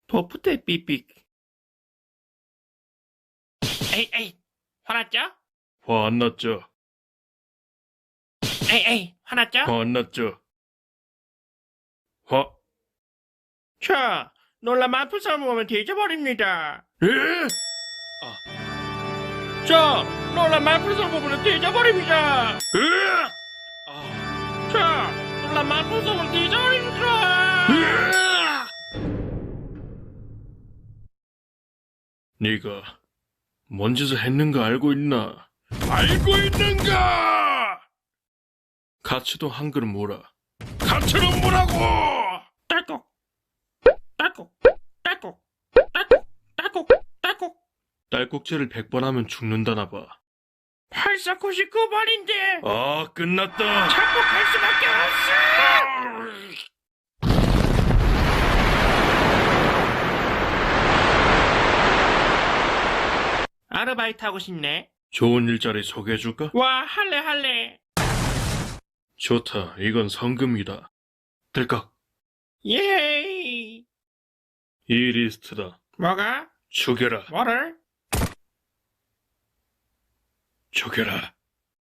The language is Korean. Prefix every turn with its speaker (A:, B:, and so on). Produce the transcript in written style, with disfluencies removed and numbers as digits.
A: 도프대 삐삐. 에이, 화났죠?
B: 화 안 났죠?
A: 에이, 화났죠?
B: 화 안 났죠? 화,
A: 자, 놀라 만푸 사모하면 뒤져버립니다.
B: 에?
A: 자, 놀라 만푸 사모하면 뒤져버립니다.
B: 으악!
A: 자, 놀라 만푸 사모하면 뒤져버립니다.
B: 으악! 네가 뭔 짓을 했는가 알고 있나? 알고 있는가? 가츠도 한 그릇 뭐라. 가츠는 뭐라고?
A: 딸꾹,
B: 딸꾹질을 100번 하면 죽는다나 봐.
A: 8499번인데
B: 아, 끝났다.
A: 자꾸 갈 수밖에 없어. 아르바이트 하고 싶네.
B: 좋은 일자리 소개해줄까?
A: 와, 할래.
B: 좋다. 이건 성금이다. 들깍.
A: 예이.
B: 이 리스트다.
A: 뭐가?
B: 죽여라.
A: 뭐를?
B: 죽여라.